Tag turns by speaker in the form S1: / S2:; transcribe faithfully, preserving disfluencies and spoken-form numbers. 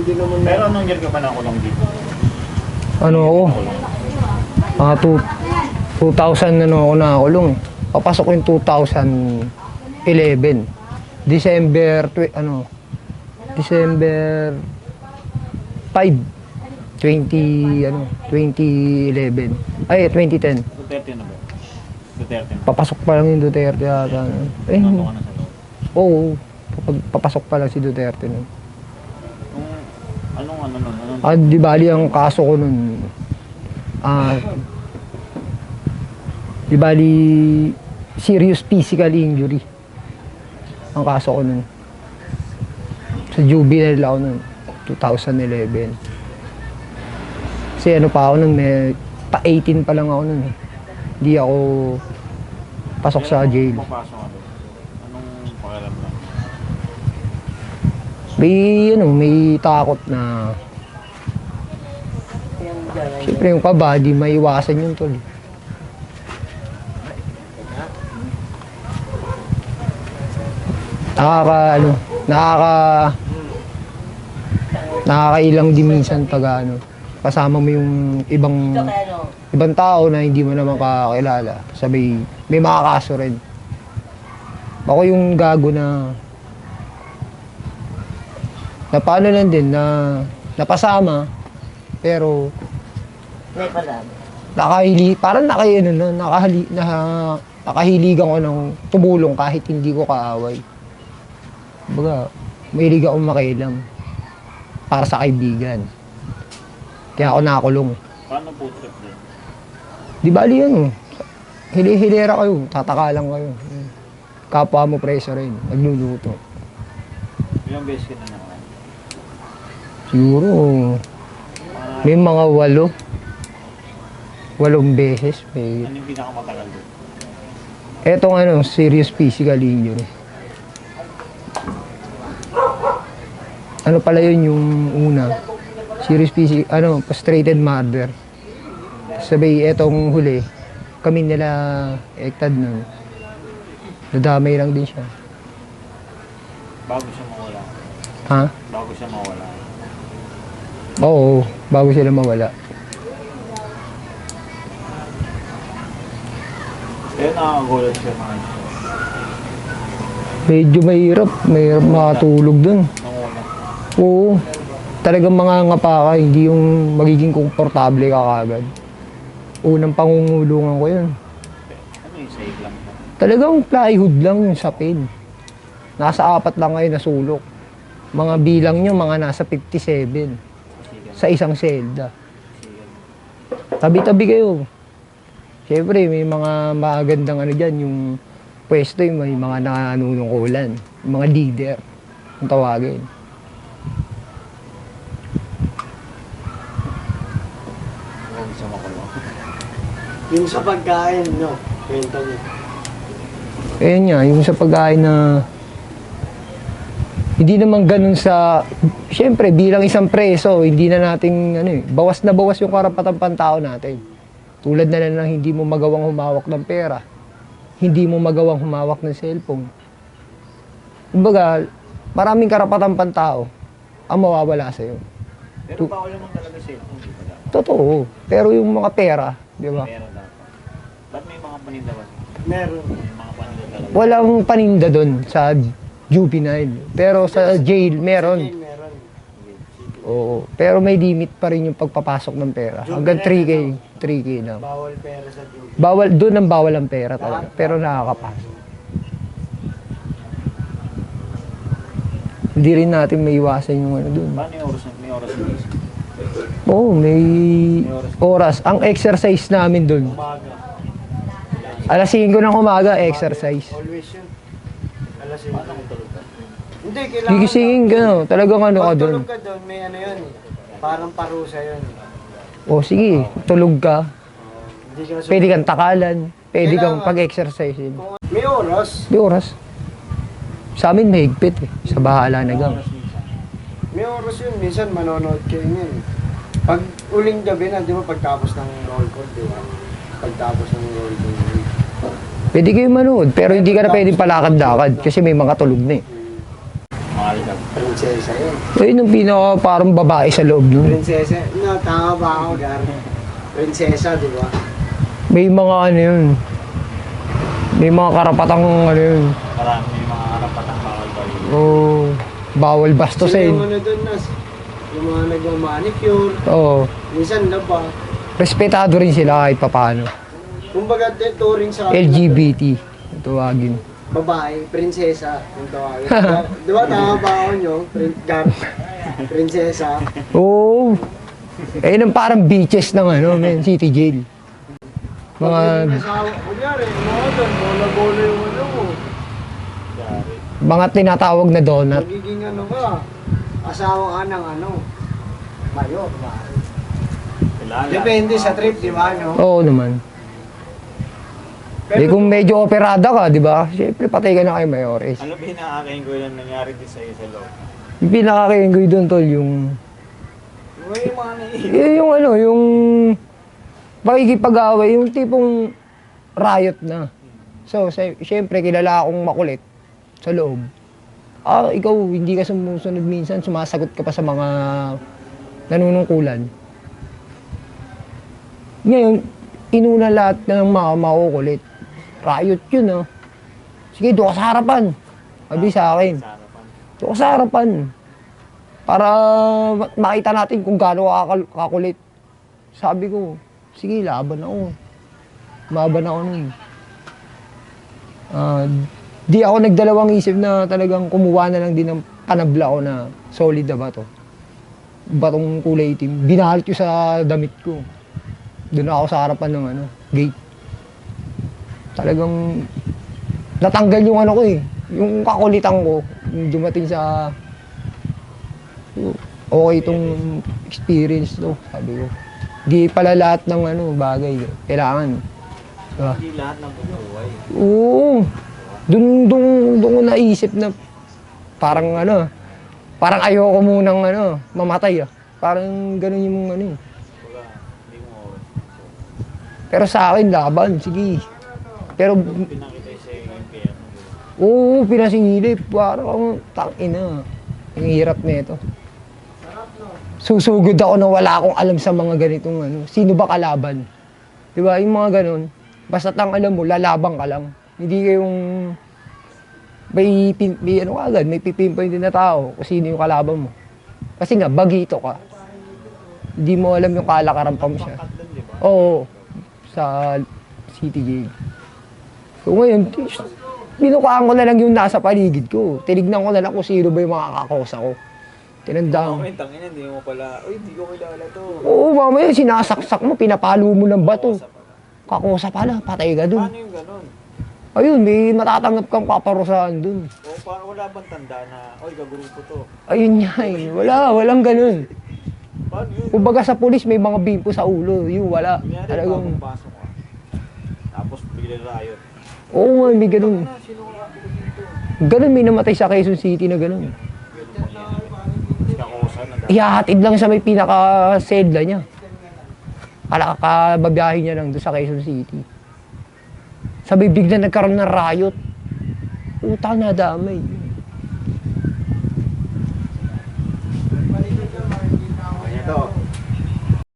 S1: hindi naman.
S2: Pero anong year ka pa nakulong dito?
S3: Ano ako? Ah, two, two thousand ano ako nakakulong. Papasok ko yung two thousand eleven. December, tw- ano, December five, twenty, ano, twenty eleven. Ay, twenty ten.
S2: Duterte na ba? Duterte na.
S3: Papasok pa lang yung Duterte yata. Eh,
S2: Ano ka na sa loob?
S3: oo. Pap- Papasok pa lang si Duterte nun.
S2: Kung anong ano nun? Anong
S3: Ah, di bali ang kaso ko nun. Ah, di bali serious physical injury. Ang kaso ko nun. Sa juvenile ako nun, twenty eleven. Kasi ano pa ako nun, may pa eighteen pa lang ako nun eh. Hindi ako pasok sa jail.
S2: Papasok ka doon? Anong pakiram lang?
S3: May ano, may takot na siyempre yung kaba, di maiwasan yun tol. Nakaka, ano, nakaka, nakakailang din minsan pag ano, kasama mo yung ibang, ibang tao na hindi mo naman kakilala. Sabi, may makakaso rin. Ako yung gago na, na paano lang din, na napasama, pero, nakahili, parang naka, ano, no, nakahili, na, nakahiligan ko ng tumulong kahit hindi ko kaaway. Baga, mahilig akong makialam para sa kaibigan. Kaya ako nakakulong.
S2: Paano po trip din?
S3: Di bali yan, oh. Hili-hilera kayo, tataka lang kayo. Kapwa mo preso rin, nagluluto.
S2: Ilang beses ka na naman?
S3: Siguro, may mga walo. Walong beses. May...
S2: Ano yung pinakamatagal doon?
S3: Etong ano, serious physical injury. Ano pala yun yung una? Serious physical, ano, frustrated murder. Sabi, etong huli, kami nila ektad nun. Nadamay lang din siya.
S2: Bago siya mawala?
S3: Ha?
S2: Bago siya mawala?
S3: Oo, bago sila mawala.
S2: Kaya nakakagulat siya mga ito.
S3: Medyo mahirap, mahirap makatulog dun.
S2: Nanguna.
S3: Oo, talagang mga ngapa ka, hindi yung magiging komportable ka kagad. Unang pangungulungan ko yun.
S2: Ano yung save lang po?
S3: Talagang plywood lang yung sapin. Nasa apat lang kayo na sulok. Mga bilang nyo, mga nasa fifty-seven. Sa isang selda. Tabi-tabi kayo. Siyempre, may mga magandang ano dyan, yung pwesto, yung may mga nanunungkulan. Yung mga leader, ang tawagin.
S2: Huwag siya makulong.
S1: Yung sa pagkain, no? Kwento niyo.
S3: Ayun nga, yung sa pagkain na hindi naman ganun sa, siyempre bilang isang preso, hindi na nating, ano eh, bawas na bawas yung karapatang pantao natin. Tulad na lang ng hindi mo magawang humawak ng pera, hindi mo magawang humawak ng cellphone. Kumbaga, maraming karapatang pantao ang mawawala sa'yo.
S2: Pero bawal naman talaga cellphone, di ba dapat?
S3: Totoo, pero yung mga pera, di ba?
S2: Meron dapat. Ba't may mga paninda ba?
S1: Meron.
S2: May mga paninda talaga.
S3: Walang paninda doon sa juvenile, pero sa jail meron.
S1: Meron.
S3: Oo, pero may limit pa rin yung pagpapasok ng pera. Hanggang three K, three K lang.
S1: Bawal pera sa duty.
S3: Bawal, doon ang bawal ang pera talaga, pero nakakapasok. Hindi rin natin may iwasan yung ano doon.
S2: Paano yung oras? May oras na isa?
S3: Oo, may oras. Ang exercise namin doon,
S1: Umaga.
S3: alas singko ng umaga, exercise.
S1: Always yun. Alas yun.
S2: Paano kung tulog ka?
S1: Hindi, kailangan.
S3: Gigisingin ka, no? Talagang ano ka
S1: Pag
S3: doon.
S1: tulog ka doon, may ano yun. Parang parusa yun.
S3: O sige, tulog ka.
S1: Hindi ka
S3: Pwede kang takalan. Pwede kang
S1: Kailangan.
S3: pag-exercise.
S1: May oras.
S3: May oras. Sa amin mahigpit eh. Sa bahala na gang.
S1: May oras yun. Minsan manonood kayo yun. Pag uling gabi na, di ba, pagtapos ng roll call, di ba? Pagtapos ng roll call.
S3: Pwede kayo manood, pero hindi ka na pwedeng palakad-lakad kasi may mga tulog na eh.
S2: Mahal ka.
S1: Prinsesa yun.
S3: Ayun yung pinaka parang babae sa loob nun.
S1: Prinsesa. No, tama ba ako, Gar? Prinsesa, di ba?
S3: May mga ano yun. May mga karapatang ano yun.
S2: Marami yung mga karapatang bawal ba yun.
S3: Oh, bawal
S1: Sino
S3: bastusin.
S1: yung ano doon, Nas? Yung mga nagmamanicure.
S3: Oo.
S1: Minsan na ba?
S3: Respetado rin sila kahit papaano.
S1: Kumbaga, turing sa
S3: L G B T. Tawagin.
S1: babae, prinsesa, yung tawagin. Di ba tama ba ako nyo? Prin Gar, prinsesa.
S3: Oo. Ayun ang parang beaches ng ano, men, city jail. Mga
S1: Asawa, kunyari, mga doon, bola-bola yung ano mo.
S2: Yari.
S3: mga tinatawag na donut.
S1: Magiging ano ka, asawa ka ng ano, mayo, ba?
S2: Kilala.
S1: Depende sa trip, di ba, no?
S3: Oo naman. Eh kung medyo operada ka, di ba? Siyempre patay ka na kay Mayores.
S2: Ano ba hinahakain ko yung nangyari din sa'yo sa loob?
S3: Yung pinakakainggoy doon, tol, yung...
S1: May mga naiiyak.
S3: Yung, yung ano, yung... Pakikipag-away, yung tipong riot na. So, sy- siyempre, kilala akong makulit sa loob. Ah, ikaw, hindi ka sumusunod minsan, sumasagot ka pa sa mga nanunungkulan. Ngayon, inuna lahat ng mga makukulit. Riot yun, ah. Sige, doon ka sa harapan. Sabi sa akin.
S2: Sa harapan.
S3: Doon ka sa harapan. Para ma- makita natin kung gaano ka kakal- kakulit. Sabi ko, sige, laban ako. Laban ako nun. Ah, di ako nagdalawang isip na talagang kumuha na lang din ng panabla ko na solid na bato. Batong kulay itim. Binahalit ko sa damit ko. Doon ako sa harapan ng ano, gate. Talagang natanggal yung ano ko eh. Yung kakulitan ko, yung dumating sa okay itong experience to, sabi ko. Di pala lahat ng ano, bagay, kailangan. Diba?
S2: Hindi lahat ng bubuhay.
S3: Oo. Doon, doon, doon ko naisip na parang ano, parang ayoko munang ano, mamatay ah. Parang ganun yung ano eh.
S2: Kumbaga, hindi mo
S3: Pero sa akin, laban, sige. Pero,
S2: pinakita yung sa'yo yung kaya mo.
S3: oo, pinasilip. Parang, tangina. Ang hirap nito. Susugod ako na wala akong alam sa mga ganitong ano. Sino ba kalaban? Di ba? Yung mga ganun. Basta tang alam mo, lalabang ka lang. Hindi kayong may, pin, may ano agad, may pipinpoint din na tao kung sino yung kalaban mo. Kasi nga, bagito ka. Hindi mo alam yung kalakaran pa mo siya.
S2: Pangkat doon, di ba?
S3: Oo, sa city jail. So ngayon, binukaan ko na lang yung nasa paligid ko. Tinignan ko na lang kung sino ba yung mga kakosa ko. Tinandaan.
S2: Comment, tangina, hindi mo pala, uy, hindi ko kilala to.
S3: Oo, mamaya sinasaksak mo, pinapalo mo ng bato.
S2: Sa pala.
S3: Kakosa pala, patay ka dun.
S2: Paano yung ganun?
S3: Ayun, may matatanggap kang paparusahan dun.
S2: O parang wala bang tanda na, oy, kagrupo to.
S3: Ayun nga eh, wala, walang ganun.
S2: Paano yun?
S3: Kumbaga sa pulis may mga bimpo sa ulo, yun wala.
S2: Kunyari,
S3: Talagang,
S2: bagong pasok ka. Tapos bigla riot.
S3: oo nga, may ganun.
S2: Ano, sino ka dito?
S3: Ganun, may namatay sa Quezon City na ganun.
S2: Kakosa na dahil.
S3: Ihahatid lang sa may pinaka-sedla niya. Kalakababiyahin niya lang doon sa Quezon City. Sabi, bigla nagkaroon ng riot. Utang na damay.